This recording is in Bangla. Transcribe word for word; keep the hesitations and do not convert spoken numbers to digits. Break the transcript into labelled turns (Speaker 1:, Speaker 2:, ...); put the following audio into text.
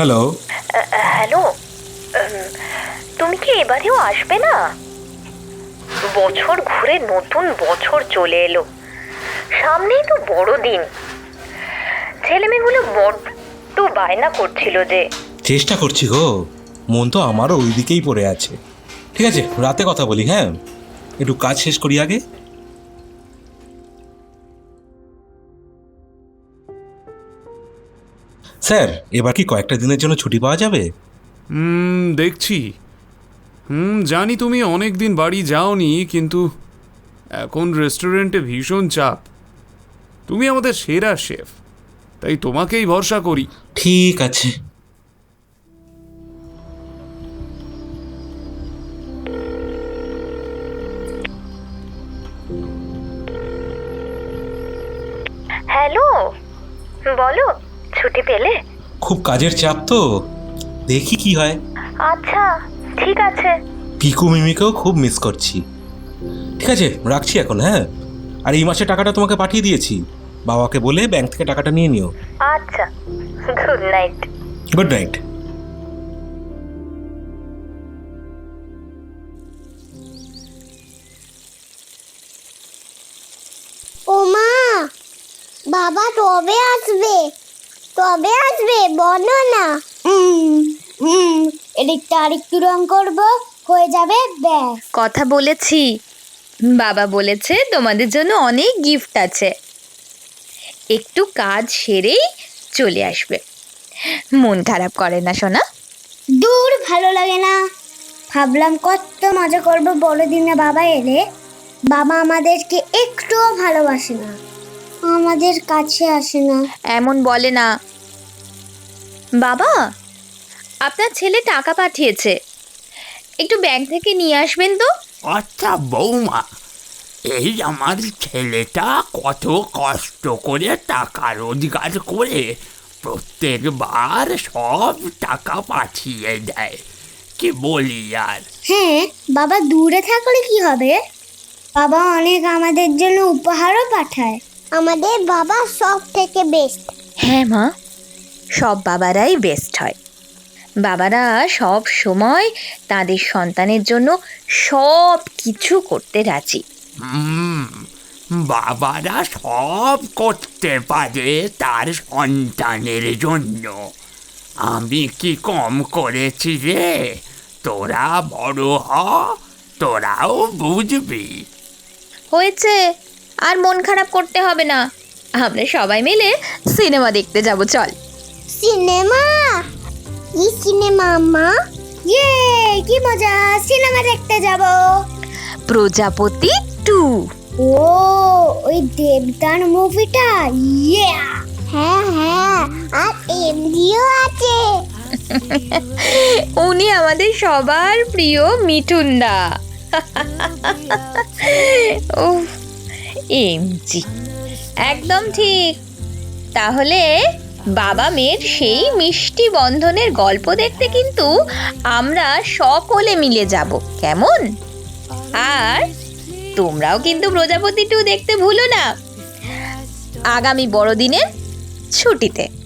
Speaker 1: হ্যালো।
Speaker 2: হ্যালো, তুমি কি এবারেও আসবে না? বছর ঘুরে নতুন বছর চলে এলো, সামনেই তো বড়দিন। ছেলেমেয়েগুলো বড্ড বায়না করছিল যে।
Speaker 1: চেষ্টা করছি গো, মন তো আমারও ওই দিকেই পড়ে আছে। ঠিক আছে, রাতে কথা বলি। হ্যাঁ, একটু কাজ শেষ করি আগে। স্যার, এবার কি কয়েকটা দিনের জন্য ছুটি পাওয়া যাবে?
Speaker 3: হুম দেখছি। হুম জানি তুমি অনেক দিন বাড়ি যাওনি, কিন্তু এখন রেস্টুরেন্টে ভীষণ চাপ। তুমি আমাদের সেরা শেফ, তাই তোমাকেই ভরসা করি।
Speaker 1: ঠিক আছে।
Speaker 2: হ্যালো, বলো, ছুটি পেলে?
Speaker 1: খুব কাজের চাপ তো, দেখি কি হয়।
Speaker 2: আচ্ছা, ঠিক আছে।
Speaker 1: পিকু মিমিকেও খুব মিস করছি। ঠিক আছে, রাখছি এখন। হ্যাঁ, আর এই মাসে টাকাটা তোমাকে পাঠিয়ে দিয়েছি। বাবাকে বলে ব্যাংক থেকে টাকাটা নিয়ে নিও।
Speaker 2: আচ্ছা, গুড নাইট।
Speaker 1: Good night.
Speaker 4: ও মা, বাবা তবে আসবে, তবে আসবে বলো না। হুম হুম এদিকটা আরেকটু রং করবো, হয়ে যাবে ব্যাস।
Speaker 5: কথা বলেছি, বাবা বলেছে তোমাদের জন্য অনেক গিফট আছে। একটু কাজ সেরেই চলে আসবে। মন খারাপ করে না সোনা?
Speaker 4: দূর, ভালো লাগে না। ভাবলাম কত মজা করবো বড়দিনে বাবা এলে। বাবা আমাদেরকে একটুও ভালোবাসে না, আমাদের কাছে আসে না।
Speaker 5: এমন বলে না। বাবা, আপনার ছেলে টাকা পাঠিয়েছে, একটু ব্যাংক থেকে নিয়ে আসবেন তো।
Speaker 6: আচ্ছা বৌমা, এই আমার ছেলেটা কত কষ্ট করে টাকা রোজগার করে প্রত্যেকবার সব টাকা পাঠিয়ে দেয়, কি বলি আর।
Speaker 4: হ্যাঁ, বাবা দূরে থাকলে কি হবে? বাবা অনেক আমাদের জন্য উপহারও পাঠায়। আমাদের বাবা সব থেকে বেস্ট।
Speaker 5: হ্যাঁ মা, সব বাবারাই বেস্ট হয়। বাবারা সব সময় তাদের সন্তানের জন্য সব কিছু করতে রাজি।
Speaker 6: হুম, বাবারা সব করতে পারে তার সন্তানের জন্য। আমি কি কম করেছি রে? তোরা বড় হ, তোরাও বুঝবি।
Speaker 5: হয়েছে, আর মন খারাপ করতে হবে না। আমরা সবাই মিলে সিনেমা দেখতে যাব, চল।
Speaker 4: সিনেমা? কি সিনেমা মা? ইয়ে, কি মজা, সিনেমা দেখতে যাব।
Speaker 5: প্রজাপতি টু।
Speaker 4: ও, ওই দেবদান মুভিটা? ইয়ে, হ্যাঁ হ্যাঁ, আর এমডিও আছে।
Speaker 5: উনি আমাদের সবার প্রিয় মিঠুনদা। ও এমজি, একদম ঠিক। তাহলে বাবা মেয়ের সেই মিষ্টি বন্ধনের গল্প দেখতে কিন্তু আমরা সকলে মিলে যাব, কেমন? আর তোমরাও কিন্তু প্রজাপতি টু দেখতে ভুলো না, আগামী বড়দিনের ছুটিতে।